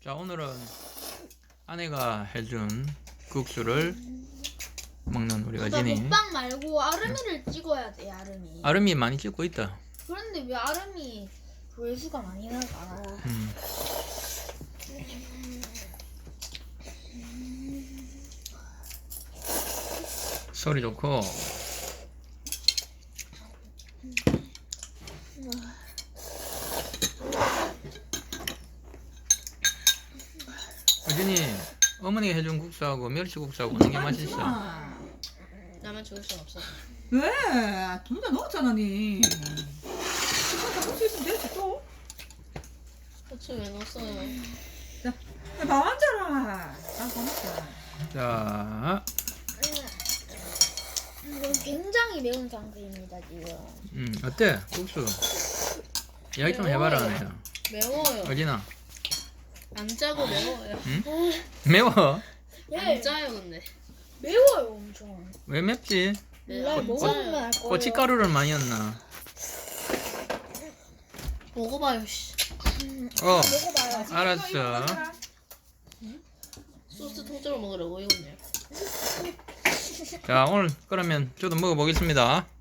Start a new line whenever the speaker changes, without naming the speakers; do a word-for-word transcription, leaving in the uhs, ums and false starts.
자, 오늘은 아내가 해준 국수를 먹는 우리
그러니까
어진이.
먹방 말고 아름이를 찍어야 돼. 아름이.
아름이 많이 찍고 있다.
그런데 왜 아름이 조회수가 많이 나가?
음. 소리 좋고. 어진이 어머니가 해준 국수하고 멸치국수하고 어느 게 맛있어?
나만 좋을 순 없어.
왜? 둘 다 넣었잖아 니. 이거 다 넣을 수 있으면 되지 또.
고추 왜 넣었어요?
자, 밥 앉아라. 난 고맙다.
자,
이건 굉장히 매운 상태입니다 지금.
음, 어때? 국수. 이야기 좀 해봐라, 아내야.
매워요.
어진아.
안 짜고 매워요.
응? 매워?
안
예,
짜요 근데.
매워요 엄청.
왜 맵지?
몰라요.
안
먹으면
짜요.
알 거예요.
고춧가루를 많이 넣나?
먹어봐요. 씨.
어,
먹어봐요.
알았어.
소스 통째로 먹으라고 이거네요.
자, 오늘 그러면 저도 먹어보겠습니다.